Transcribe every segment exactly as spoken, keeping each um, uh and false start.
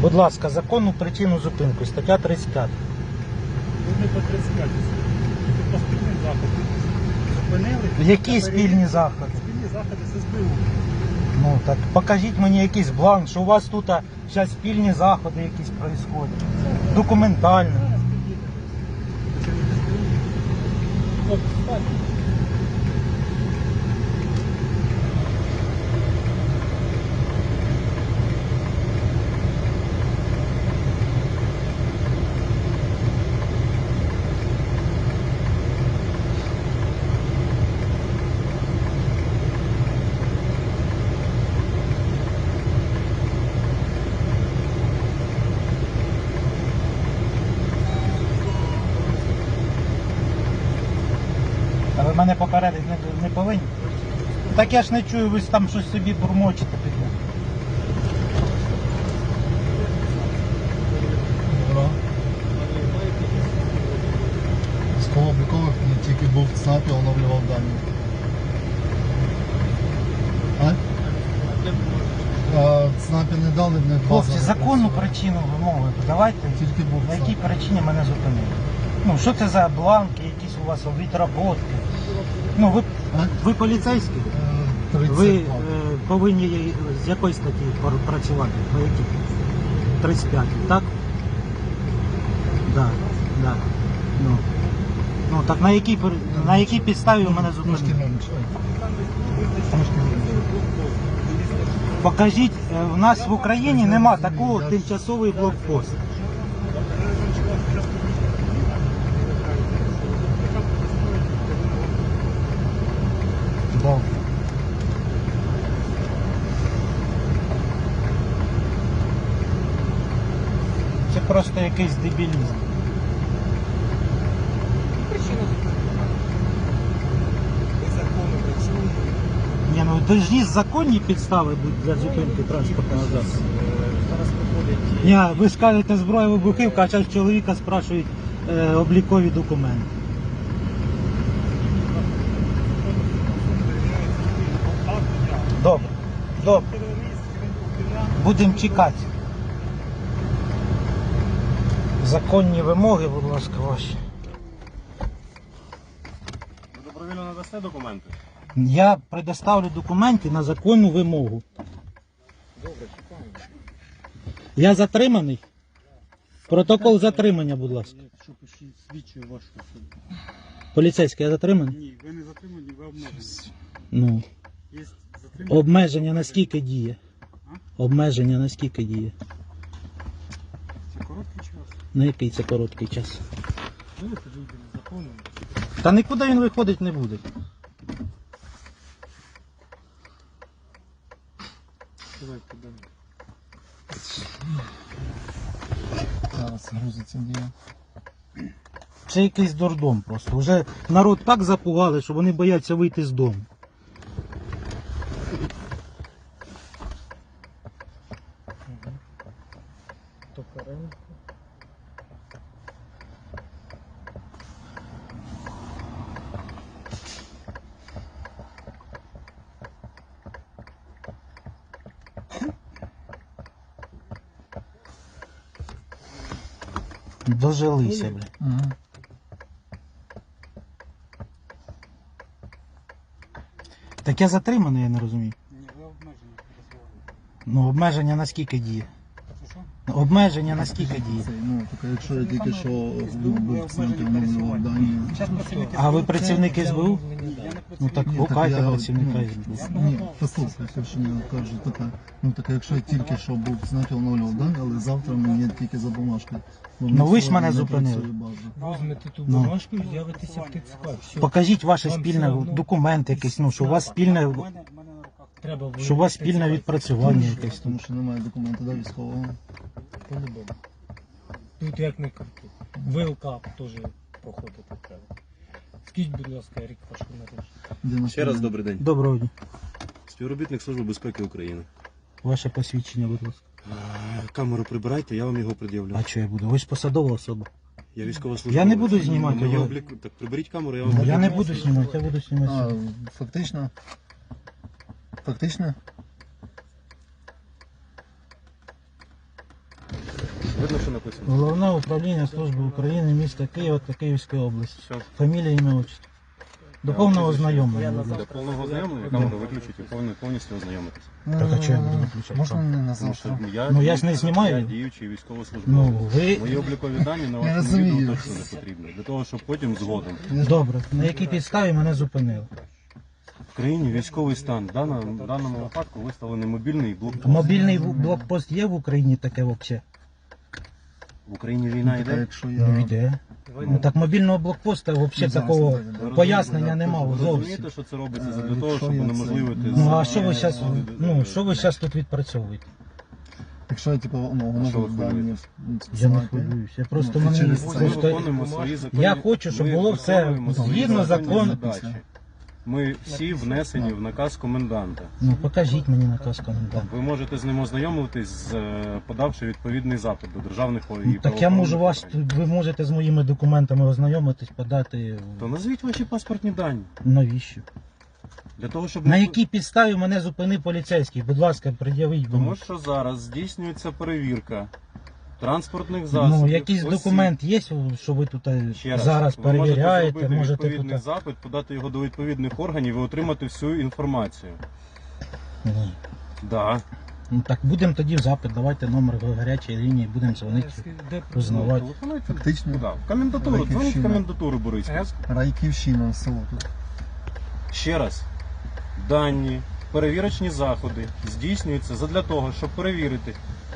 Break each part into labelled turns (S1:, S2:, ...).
S1: Будь ласка, законну причину зупинку, стаття тридцять п'ять.
S2: Ви не по тридцять п'ять. Це по спільним заходам. Зупинили.
S1: Які спільні заходи?
S2: Спільні заходи з ес бе у.
S1: Ну так покажіть мені якийсь бланк, що у вас тут зараз спільні заходи якісь происходять. Документально.
S2: Зараз підійдете. Це не ес бе у. От, встань.
S1: А ви мене попередити не, не повинні? Так я ж не чую, ви ж там щось собі бурмочете під мене.
S3: Добре. Військово-облікових не тільки був в ЦНАПі, оновлював дані. А? А, в ЦНАПі не дали, не база.
S1: Хлопці,
S3: не
S1: законну
S3: працює.
S1: причину вимоги давайте.
S3: Тільки був
S1: На
S3: в
S1: якій
S3: ЦНАПі.
S1: причині мене зупинили? Ну, що це за бланки, якісь у вас відработки? Ну, ви,
S3: А?
S1: ви поліцейські?
S3: Е, тридцять
S1: Ви е,
S3: два.
S1: повинні з якої статті пр- працювати? По якій? тридцять п'ять, так? Так, так. Ну. Ну, так на якій, пер- на якій підставі ви мене
S3: Трошки
S1: зупинили?
S3: менше. Трошки менше.
S1: Покажіть, е, в нас в Україні нема такого тимчасовий блокпост. Добре. Це просто якийсь дебілізм. Ні, ну должні законні підстави бути для зупинки транспортного засобу.
S2: Зараз проходять.
S1: Ні, ви ж кажете зброя вибухівка, а зараз чоловіка спрашують е, облікові документи. Добре, добре. Будемо чекати. Законні вимоги, будь ласка, ваші.
S2: Ви добровільно надасте документи?
S1: Я предоставлю документи на законну вимогу.
S2: Добре, чекаємо.
S1: Я затриманий. Протокол затримання, будь ласка.
S2: Що пишіть, свідчує вашу особу.
S1: Поліцейський, я затриманий?
S2: Ні, ви не затримані, ви обмежені.
S1: Ну,
S2: Є затримані.
S1: обмеження на скільки діє?
S2: А?
S1: Обмеження на скільки діє?
S2: Це короткий час.
S1: На який це короткий час?
S2: Давайте вийдемо з законом.
S1: Та нікуди він виходить не буде.
S2: Давайте далі.
S3: Зараз грузиться дія.
S1: Це якийсь дурдом просто. Вже народ так запугали, що вони бояться вийти з дому.
S2: Токаренко.
S1: Дожилися, бля.
S3: Угу.
S1: Так я затриманий, я не розумію.
S2: Ні, ви обмежені дозволені.
S1: Ну, обмеження на скільки діє?
S2: Це що?
S1: Обмеження на скільки діє?
S3: Це, ну, так, якщо я тільки що
S2: СБУ,
S3: був
S2: ви
S3: в ЦНАПі,
S2: обмежені
S3: оновлював дані.
S2: Зараз працівники
S1: А ви
S2: СБУ.
S1: працівник СБУ?
S2: Ні, я не
S1: Ну так
S2: працівник.
S3: Ні,
S1: гукайте
S3: я,
S1: працівника
S3: ну,
S1: СБУ.
S3: Ні, послухайте, що я кажу таке. Ну так якщо я тільки що був в ЦНАПі, оновлював дані, але завтра мені тільки за бумажкою. Бо в
S1: Ну,
S3: нас
S1: ви ж
S3: сьогодні
S1: мене
S3: не
S1: зупинили.
S3: працює база.
S2: Візьмете ту
S1: Ну.
S2: бумажку і з'явитеся в ТЦК. Все.
S1: Покажіть ваше
S2: Вам
S1: спільне
S2: все одно
S1: документ якийсь, ну, що у вас спільне,
S2: У мене, у мене на руках. Треба
S1: що у вас спільне
S2: виявити
S1: відпрацювання
S3: Тому
S1: якесь.
S3: що- Тому що немає документу да, військового.
S2: По-любому. Тут як не крути. ВЛК теж проходити треба. Скажіть, будь ласка, рік вашого народження.
S3: Де наш
S4: Ще раз
S3: клієнт?
S4: добрий день.
S1: Доброго дня.
S4: Співробітник Служби безпеки України.
S1: Ваше посвідчення, будь ласка.
S4: Е, Камеру прибирайте, я вам його пред'явлю.
S1: А що я буду? Ви ж посадова особа.
S4: Я військовослужбовець.
S1: Я не буду знімати,
S4: Моє
S1: ви-
S4: обліку... Так приберіть камеру, я вам
S1: Я
S4: пред'явлю.
S1: не буду знімати, я буду
S3: А,
S1: знімати.
S3: фактично. Фактично.
S4: Видно, що написано.
S1: Головне управління Служби України, міста Києва та Київської області.
S4: Все.
S1: Фамілія, ім'я, отчество. До повного ознайомлення. будь
S4: Для
S1: ласка.
S4: повного ознайомлення камеру виключити і повні- повністю ознайомитися.
S1: Так, а чого я буду виключати?
S3: Можна не на
S4: Тому що
S3: завтра?
S4: я,
S1: Ну, я ж не знімаю.
S4: Я діючий
S1: Ну,
S4: військовослужбовець.
S1: ви...
S4: Мої облікові дані на
S3: Я
S4: вашому
S3: розумію.
S4: відео точно не потрібні. Для того, щоб потім згодом.
S1: Добре, на якій підставі мене зупинили?
S4: В країні військовий стан. В даному, в даному випадку виставлений мобільний блокпост.
S1: Мобільний в- блокпост є в Україні таке взагалі?
S4: В Україні війна
S3: Ну, така,
S4: йде.
S3: якщо
S1: Ну,
S3: я...
S1: йде. Ну так мобільного блокпоста взагалі
S3: Ну,
S1: такого
S3: зараз, да.
S4: Ви
S1: пояснення
S4: розумієте,
S1: немає
S4: Ви
S1: зовсім.
S4: розумієте, що це робиться
S3: Е,
S4: для того,
S3: якщо
S4: щоб
S3: я це-
S4: унеможливити...
S1: Ну а що ви
S4: з-
S1: зараз, ну, що ви зараз тут відпрацьовуєте?
S3: Якщо я, типу, ну, воно
S4: що ви
S3: буде дані
S4: хвилюєтесь?
S1: Я не
S3: списати.
S1: хвилююся. Я просто
S3: Ну,
S1: мені
S3: через це.
S4: Ми
S1: просто...
S4: виконуємо свої законні...
S1: Я хочу, щоб
S4: ми
S1: було все
S4: виконуємо свої
S1: згідно
S4: законні
S1: закону.
S4: задачі. Ми всі внесені в наказ коменданта.
S1: Ну покажіть мені наказ коменданта.
S4: Ви можете з ним ознайомитись, з, е, подавши відповідний запит до державних і
S1: Ну, так я
S4: правоохоронних
S1: можу вас,
S4: органів.
S1: ви можете з моїми документами ознайомитись, подати.
S4: То назвіть ваші паспортні дані.
S1: Навіщо?
S4: Для того, щоб
S1: На
S4: не-
S1: якій підставі мене зупинив поліцейський? Будь ласка, пред'явіть
S4: Тому
S1: мені.
S4: що зараз здійснюється перевірка транспортних засобів.
S1: Ну, якийсь
S4: осіб.
S1: документ є, що ви тут е,
S4: Ще раз,
S1: зараз
S4: ви
S1: перевіряєте,
S4: можете
S1: можете
S4: зробити відповідний
S1: тут.
S4: запит, подати його до відповідних органів і отримати всю інформацію.
S1: Ні.
S4: Да.
S1: Ну так будемо тоді в запит, давайте номер гарячої лінії, будемо дзвонити, узнавати.
S4: Телефонуйте.
S3: Фактично,
S4: Куди? В комендатуру, дзвоніть в
S3: Райківщина.
S4: комендатуру Бориспільську.
S3: Райківщина, село тут.
S4: Ще раз. Дані, перевірочні заходи здійснюються задля того, щоб перевірити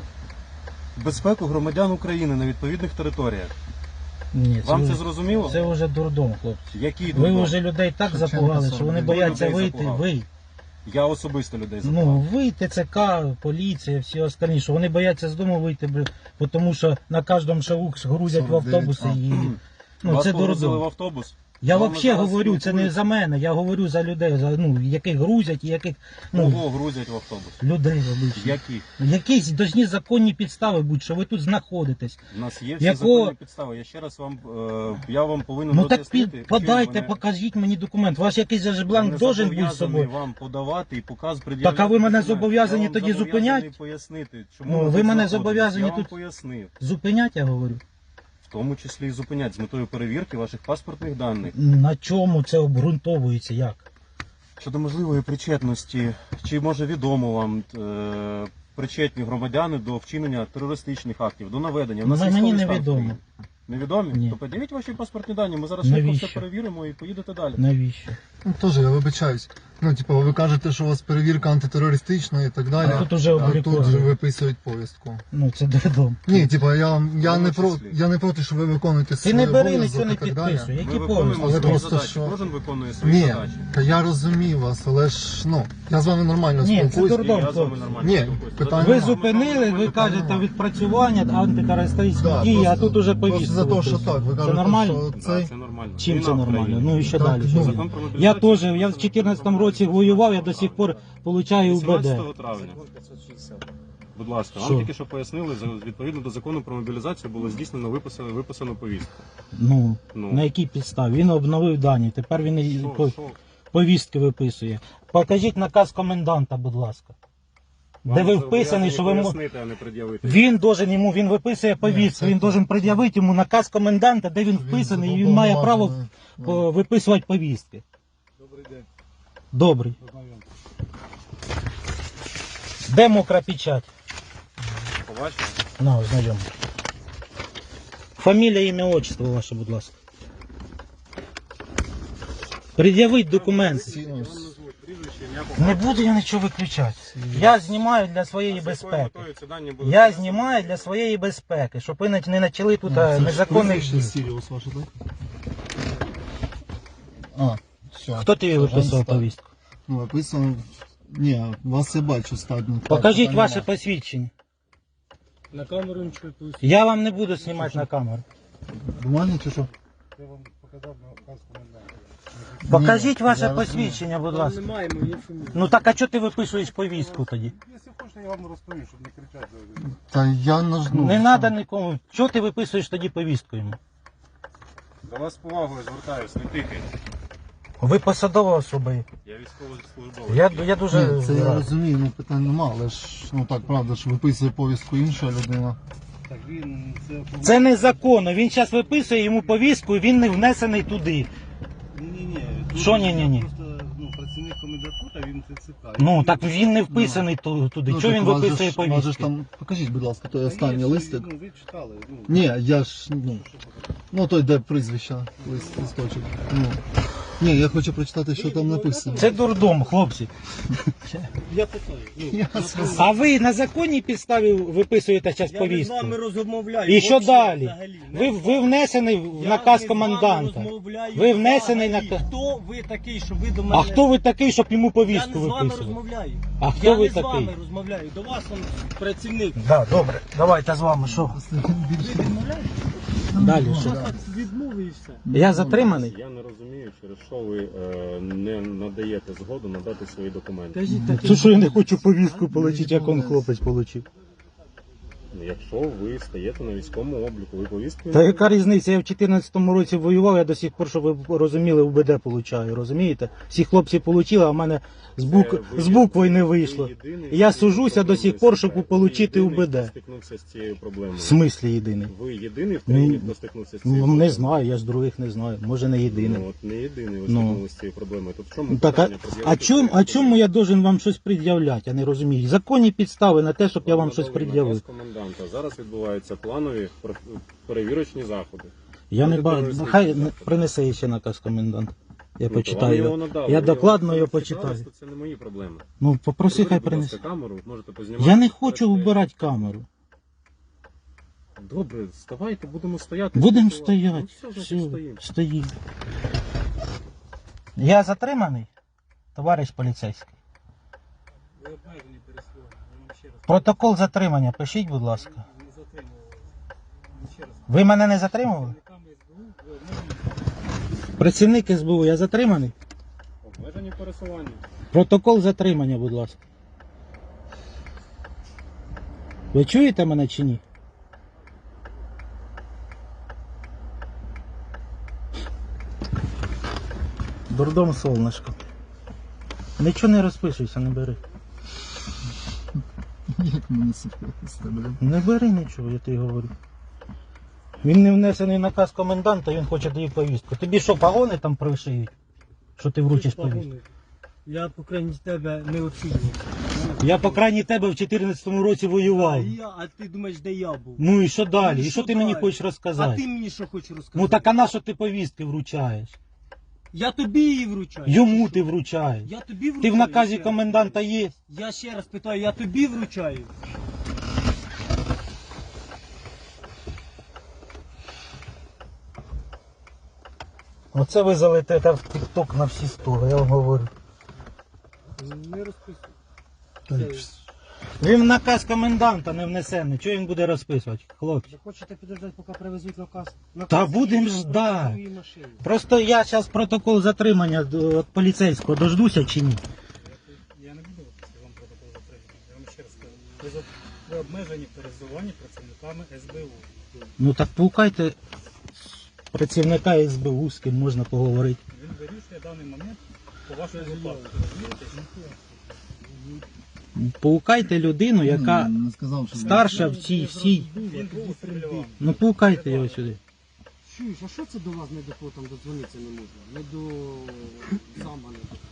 S4: безпеку громадян України на відповідних територіях.
S1: Ні,
S4: Вам це
S1: вже-
S4: зрозуміло?
S1: це вже дурдом, хлопці.
S4: Які
S1: Ви
S4: дурдом?
S1: вже людей так
S3: Шевченко
S1: запугали, що вони
S3: сорок.
S1: бояться
S4: Людей
S1: вийти.
S4: запугав.
S1: Ви.
S4: Я особисто людей
S1: Ну,
S4: запитав.
S1: ви, ТЦК, поліція, всі остальні, що вони бояться з дому вийти, бля, бо тому що на кожному шагу грузять в
S3: сорок дев'ять,
S1: автобуси
S3: а.
S1: і. Ну,
S4: Вас
S1: це
S4: погрузили в
S1: дурдом.
S4: автобус.
S1: Я
S4: Вам
S1: взагалі
S4: зараз
S1: говорю, це не
S4: спілкуються.
S1: за мене, я говорю за людей, за, ну, яких грузять і яких. Ну,
S4: Кого грузять в автобус?
S1: людей обичних.
S4: Яких?
S1: Якісь должні законні підстави будуть, що ви тут знаходитесь.
S4: У нас є всі
S1: Якого-
S4: законні підстави. Я ще раз вам, е, я вам повинен
S1: Ну так
S4: роз'яснити,
S1: під,
S4: чим
S1: подайте,
S4: мене-
S1: покажіть мені документ. Ваш якийсь же ж
S4: Я
S1: бланк
S4: не
S1: должен бути з
S4: зобов'язаний
S1: собою.
S4: вам подавати і показ
S1: Так, а ви мене
S4: документ.
S1: зобов'язані
S4: Я вам
S1: тоді
S4: зобов'язаний
S1: зупинять?
S4: пояснити, чому
S1: Ну,
S4: ви
S1: ви
S4: тут
S1: мене
S4: знаходитесь.
S1: зобов'язані
S4: Я вам
S1: тут-
S4: пояснив.
S1: Зупинять, я говорю.
S4: В тому числі і зупинять з метою перевірки ваших паспортних даних.
S1: На чому це обґрунтовується? Як?
S4: Щодо можливої причетності, чи може відомо вам е, причетні громадяни до вчинення терористичних актів, до наведення. У нас
S1: Ну, мені
S4: військовий
S1: не
S4: стан в
S1: відомо.
S4: країні. Невідомі?
S1: Ні.
S4: То подивіть ваші паспортні дані, ми зараз швидко
S1: Навіщо?
S4: все перевіримо і поїдете далі.
S1: Навіщо?
S3: Ну, теж, я вибачаюсь. Ну, типу, ви кажете, що у вас перевірка антитерористична і так далі.
S1: А тут уже
S3: а
S1: обліковано.
S3: тут виписують повістку.
S1: Ну це дурдом.
S3: Ні, типу, я, я,
S4: В
S3: не про,
S4: числі.
S3: я не проти, що ви виконуєте
S1: Ти
S3: свій
S1: не бери,
S3: обов'язок
S1: нічого не
S3: і так далі.
S1: підписуй.
S4: Ми
S1: Які
S4: виконуємо
S1: повністю?
S3: Але
S4: свої
S3: просто
S4: задачі,
S3: що-
S4: кожен виконує свої
S3: Ні,
S4: задачі.
S3: та я розумію вас, але ж, ну, я з вами нормально
S1: Ні, це
S3: спілкуюсь.
S1: дурдом.
S4: І я з вами
S1: хлопці.
S4: нормально
S3: Ні,
S4: спілкуюся.
S3: питання
S1: Ви
S3: нема.
S1: зупинили, ви кажете відпрацювання антитерористичні
S3: Да,
S1: дії, а
S3: просто-
S1: тут уже
S3: просто
S1: повістку.
S3: за те, що
S1: виписують.
S3: так, ви
S1: Це
S3: кажете,
S1: нормально?
S3: що
S4: Да,
S3: цей...
S4: це нормально.
S1: Чим
S4: Війна
S1: це
S4: в
S1: нормально?
S4: країні.
S1: Ну і що
S3: Так,
S1: далі?
S3: ну,
S1: Що
S4: Закон
S1: буде?
S4: про
S1: Я
S4: мобілізацію.
S1: теж, я в чотирнадцятому році воював, я до сих пор получаю УБД.
S4: вісімнадцятого травня. Будь ласка,
S1: Що?
S4: вам тільки що пояснили, за- відповідно до закону про мобілізацію було здійснено виписано, виписано повістку.
S1: Ну,
S4: Ну.
S1: на якій підставі? Він обновив дані, тепер він і
S4: Що,
S1: по-
S4: що?
S1: повістки виписує. Покажіть наказ коменданта, будь ласка.
S4: Вам
S1: Де ви
S4: це
S1: вписаний, що ви мо-
S4: пояснити, а не пред'явити.
S1: Він должен йому, він виписує повістку,
S3: це
S1: він
S3: так.
S1: должен пред'явити йому наказ коменданта, де він вписаний, і він має право
S3: зобов'язаний,
S1: по- виписувати повістки.
S2: Добрий день.
S1: Добрий.
S2: Познайомтесь.
S1: Де мокра печать?
S4: Побачили?
S1: На, ознайом. Фамілія, ім'я, отчество ваше, будь ласка. Пред'явіть документи.
S3: Всі,
S4: Я
S3: ну,
S4: вам назву прізвище, ім'я, по
S1: Не буду я нічого виключати. Я знімаю для своєї
S4: факту. З якою
S1: безпеки.
S4: метою ці дані будуть
S1: Я
S4: внесені?
S1: знімаю для своєї безпеки, щоб ви не почали тут
S3: ну,
S1: а,
S3: це ж
S1: незаконних
S3: прізвище
S1: дій.
S3: Сіріус ваше, так? А, все.
S1: Хто тобі виписував повістку?
S3: Ну, виписано. Ні, вас я бачу статно.
S1: Покажіть ваше посвідчення.
S2: На камеру нічого не повісти.
S1: Я вам не буду знімати на камеру.
S3: Бумажні чи що?
S2: Я вам показав на наказ коменданта.
S1: Покажіть
S3: Ні,
S1: ваше
S3: я розумію.
S1: посвідчення, будь
S2: Там
S1: ласка.
S2: немає моєї фамілії.
S1: Ну так а чого ти виписуєш повістку тоді?
S2: Якщо хочете, я вам розповім, щоб не кричати.
S3: Та я нажну.
S1: Не треба нікому. Чого ти виписуєш тоді повістку йому?
S4: До вас з повагою звертаюсь, не тикайте.
S1: Ви посадова особа.
S4: Я військовослужбовець.
S1: Я, я дуже
S3: Ні, це я
S1: радий.
S3: розумію, ну питань нема, але ж, ну так, правда, що виписує повістку інша людина.
S5: Так він це
S1: Це незаконно. Він зараз виписує йому повістку і він не внесений туди.
S5: Ні-ні-ні.
S1: Що ні-ні-ні?
S5: Просто ну, працівник комендатура, він це цікавий.
S1: Ну так він не вписаний ту- туди.
S3: Ну,
S1: Чого
S3: так
S1: він
S3: у вас же
S1: виписує
S3: ж- у вас же ж
S1: повістки?
S3: там, покажіть, будь ласка, той
S5: Та
S3: останній
S5: є,
S3: листик.
S5: Ну, ви читали. Ну,
S3: Ні, я ж, ну, ну той, де прізвища, лист, листочок. Ну. Ні, я хочу прочитати, що там написано.
S1: Це дурдом, хлопці.
S5: я питаю. Ну,
S3: Я сказав.
S1: А ви на законній підставі виписуєте зараз
S5: я не з
S1: повістку?
S5: вами розмовляю.
S1: І що
S5: Вообще
S1: далі?
S5: взагалі.
S1: Ви, ви внесений в
S5: Я
S1: наказ
S5: не з
S1: коменданта.
S5: вами розмовляю
S1: Ви внесений
S5: взагалі.
S1: на-
S5: Хто ви такий, що ви до мене...
S1: А хто ви такий, щоб йому
S5: Я
S1: повістку
S5: не з вами
S1: виписувати?
S5: розмовляю.
S1: А хто
S5: я
S1: ви
S5: не з
S1: такий?
S5: вами розмовляю. До вас он працівник.
S1: Да, добре, давайте з вами, що?
S5: Ви відмовляєте?
S1: Далі що?
S5: Так, відмови і все.
S1: Я затриманий?
S4: Я не розумію, через що ви е, не надаєте згоду надати свої документи.
S5: Кажіть так.
S1: Це що я не хочу повістку отримати, як он хлопець отримав.
S4: Ну, Якщо ви стаєте на військовому обліку, ви повістку...
S1: Та яка різниця? Я в чотирнадцятому році воював, я до сих пор, щоб ви розуміли, УБД получаю, розумієте? Всі хлопці отримали, а в мене з, бук...
S4: Це ви
S1: з
S4: є-
S1: буквою не
S4: ви
S1: вийшло.
S4: єдиний,
S1: І я
S4: хто
S1: сужуся до сих пор, щоб
S4: проблемою
S1: отримати
S4: стикається. Ви
S1: УБД.
S4: єдиний, хто стикнувся з цією проблемою.
S1: В смислі єдиний?
S4: Ви єдиний в країні,
S1: Ну,
S4: хто стикнувся з цією
S1: Ну,
S4: проблемою?
S1: не знаю, я з других не знаю. Може не єдиний.
S4: Ну, от не єдиний ви
S1: Ну.
S4: стикнулися з цією проблемою. Тут в чому
S1: Так, а,
S4: питання
S1: а,
S4: пред'явити
S1: чому,
S4: свої
S1: а чому я должен вам щось пред'являти? Я не розумію. Законні підстави на те, щоб я вам щось
S4: Надали
S1: пред'явив.
S4: наказ коменданта. Зараз відбуваються планові пер- перевірочні заходи.
S1: Я не
S4: Проти
S1: бачу.
S4: терористичних
S1: Хай
S4: заходів.
S1: не- принесе ще наказ комендант. Я
S4: Ну, то
S1: почитаю.
S4: вам
S1: його.
S4: його надали.
S1: Я
S4: Ви
S1: докладно
S4: його
S1: його
S4: почитали,
S1: почитаю.
S4: то Це не мої проблеми.
S1: Ну, попроси, хай
S4: Приберіть, будь
S1: принесе.
S4: ласка, камеру, можете познімати.
S1: Я не хочу
S4: Працює.
S1: вбирати камеру.
S4: Добре, вставайте, будемо стояти.
S1: Будемо
S4: спілкуватися.
S1: стояти.
S4: Ну, все,
S1: Все,
S4: значить, стоїмо.
S1: стоїмо. Я затриманий, товариш поліцейський.
S2: Ви обмежені переслідування. Я вам ще раз
S1: Протокол затримання, пишіть, будь ласка.
S2: не затримували. Я ще раз.
S1: Ви мене не затримували?
S2: Працівниками СБУ ви обмежені.
S1: Працівник СБУ, я затриманий?
S4: Обмежені пересування.
S1: Протокол затримання, будь ласка. Ви чуєте мене чи ні? Дурдом солнышко. Нічого не розпишуйся, не бери.
S3: Як мене сухати, блін.
S1: Не бери нічого, я тобі говорю. Він не внесений в наказ коменданта, він хоче дати повістку. Тобі що, погони там пришиють? Що ти вручиш повістку?
S5: Я, по крайній тебе, не оцінюю.
S1: Я, по крайній тебе, в чотирнадцятому році
S5: А,
S1: воював.
S5: я, а ти думаєш, де я був?
S1: Ну і що далі?
S5: Ну,
S1: І що
S5: що
S1: ти мені
S5: далі?
S1: хочеш
S5: А
S1: розказати?
S5: ти мені що хочеш розказати?
S1: Ну так а на що ти повістки вручаєш?
S5: Я тобі її вручаю.
S1: Йому
S5: Чи
S1: ти
S5: що?
S1: вручаєш.
S5: Я тобі вручаю.
S1: Ти в наказі
S5: ще раз.
S1: коменданта є.
S5: Я ще раз питаю, я тобі вручаю.
S1: Оце ви залетите в тік-ток на всі сторони, я вам говорю.
S5: Не розписуй.
S1: Він в наказ коменданта не внесений. Чого він буде розписувати, хлопці?
S5: Ви хочете підождати, поки привезуть наказ?
S1: Та будемо ждать.
S5: Твої машини.
S1: Просто я зараз протокол затримання до- від поліцейського дождуся чи ні?
S2: Я не буду виписати вам протокол затримання. Я вам ще раз кажу. Ви, за- ви обмежені в пересуванні працівниками СБУ.
S1: Ну так пукайте працівника ес бе у, з ким можна поговорити.
S2: Він вирішує даний момент по вашому випадку. Розумієте?
S1: Паукайте людину, яка
S3: Ну, не сказав, що
S1: старша в цій всій.
S2: Він був устріляв вами.
S1: Ну паукайте його сюди.
S5: Чуєш, а що це до вас не до там додзвонитися не можна? Не до зама не до.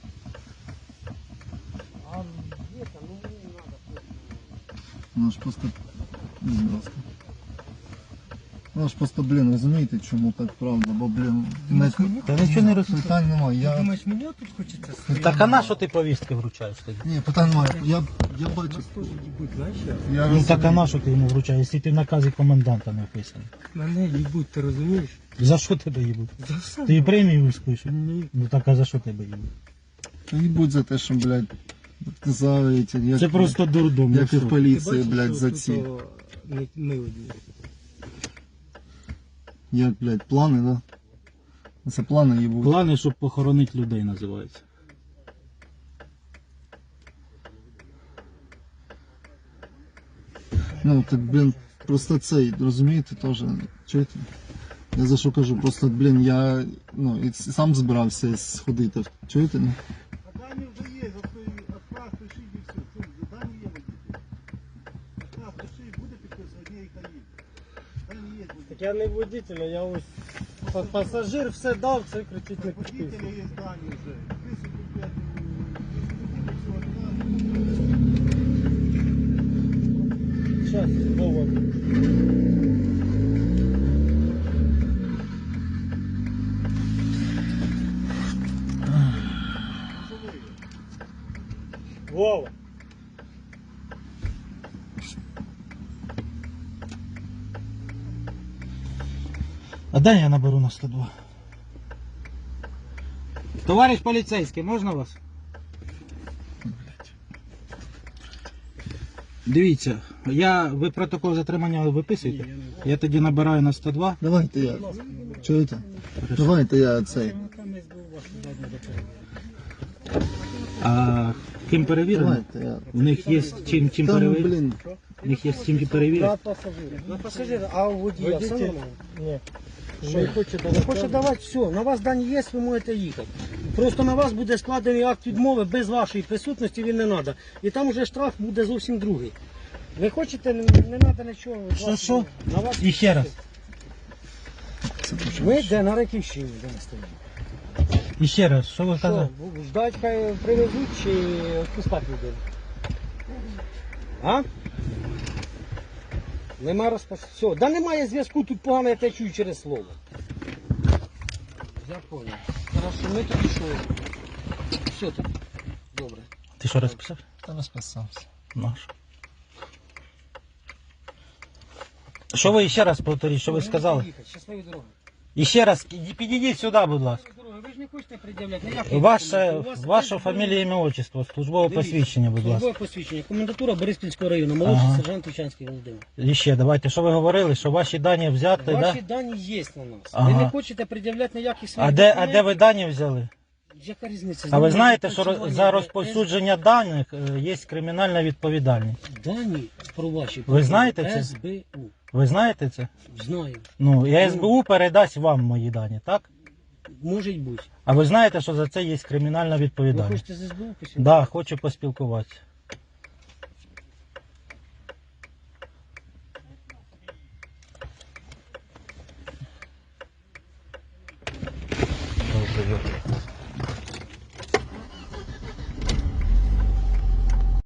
S5: А є там, ну не треба.
S3: Ну ж просто. Ну, будь ласка. Ну ж просто, блін, розумієте, чому так правда, бо, блін, не...
S1: Та нічого не розумію.
S3: питань немає. Я...
S5: Думаєш, мені тут хочеться стояти?
S1: Так а на що ти повістки вручаєш тоді?
S3: Ні, питань немає. Я, я бачу.
S5: Нас теж їбуть, знаєш? як?
S3: Я
S1: Ну так а
S3: розумію.
S1: на що ти йому вручаєш, якщо ти в наказі коменданта не вписаний?
S5: Мене їбуть, ти розумієш?
S1: За що тебе їбуть?
S5: За все.
S1: Ти премію спишеш?
S5: Ні.
S1: Ну так а за що тебе їбуть?
S3: Не будь за те, що, блядь, казали, як,
S1: Це просто дурдом.
S3: як і в
S5: Ти
S3: поліції,
S5: бачиш,
S3: блядь,
S5: що
S3: за
S5: тут,
S3: ці.
S5: о, не- Ми одні.
S3: Як, блядь, плани, да? Це плани їбуть.
S1: Плани, щоб похоронити людей, називається.
S3: Ну, так, блін, просто цей, розумієте, теж, чуєте? Я за що кажу, просто, блін, я, ну, і сам збирався сходити, чуєте? Ну?
S5: А дані вже є, відправ, пишіть і все. Дані є. Відправ, пишіть, буде підписувати, є і та є.
S2: я не водитель, я ось па- пасажир, все дав, це кричить не підписує. Щас, Вова. Вова.
S1: А дай я наберу на сто два. Товариш поліцейський, можна вас? Дивіться, я, ви протокол затримання виписуєте? Я тоді набираю на сто два.
S3: Давайте я. Чуєте? Давайте я цей.
S1: А ким перевірено?
S3: Давайте я.
S1: В них є чим, чим
S3: Та ну,
S1: перевірити?
S3: блін.
S1: В них є чим перевірити?
S2: На пасажира.
S5: На пасажира, а у водія все
S2: Водитель?
S5: нормально?
S2: Ні.
S5: Що?
S2: Не хоче
S5: Не
S2: давати.
S5: хоче давати все. На вас дані є, ви можете їхати. Просто на вас буде складений акт відмови без вашої присутності, він не треба. І там вже штраф буде зовсім другий. Ви хочете, не треба нічого. від
S1: Що,
S5: вас.
S1: що?
S5: На вас
S1: І ще раз.
S5: Ми де на Раківщині, де ми стоїмо.
S1: І ще раз, що ви
S5: Що,
S1: казали?
S5: ждать, хай привезуть чи відпускати людину? А? Нема розпас... Все, да немає зв'язку, тут погано я те чую через слово. Я понял. Хорошо, ми тоді що? Все тоді. Добре.
S1: Ти що розписав?
S3: Та розписався.
S1: Наш. Що ви ще раз повторіть, що ви сказали?
S5: Щасливі дороги.
S1: І ще раз, іди- підійдіть сюди, будь ласка.
S5: Щасливі дороги. Ви ж не хочете пред'являти ніякі
S1: Ваше,
S5: документи. У вас
S1: ваше
S5: є
S1: фамілія, ім'я, отчество, службове
S5: Дивіться,
S1: посвідчення, будь ласка.
S5: Службове посвідчення. Комендатура Бориспільського району. Молодший
S1: Ага.
S5: сержант Тучанський Володимир.
S1: І ще, давайте, що ви говорили, що ваші дані взяти, да?
S5: Ваші дані є на нас.
S1: Ага.
S5: Ви не хочете пред'являти ніяких своїх
S1: А де, а
S5: документів.
S1: де ви дані взяли?
S5: Яка різниця?
S1: А ви
S5: З
S1: знаєте,
S5: ними
S1: що роз-
S5: працювання
S1: за
S5: йде.
S1: розповсюдження даних е, є кримінальна відповідальність?
S5: Дані про ваші
S1: Ви знаєте це?
S5: ес бе у.
S1: Ви знаєте це?
S5: Знаю.
S1: Ну, і ес бе у передасть вам мої дані, так?
S5: Може бути.
S1: А ви знаєте, що за це є кримінальна
S5: Ви
S1: відповідальність?
S5: хочете з ес бе у посвідчити?
S1: Да, хочу поспілкуватися. Добре.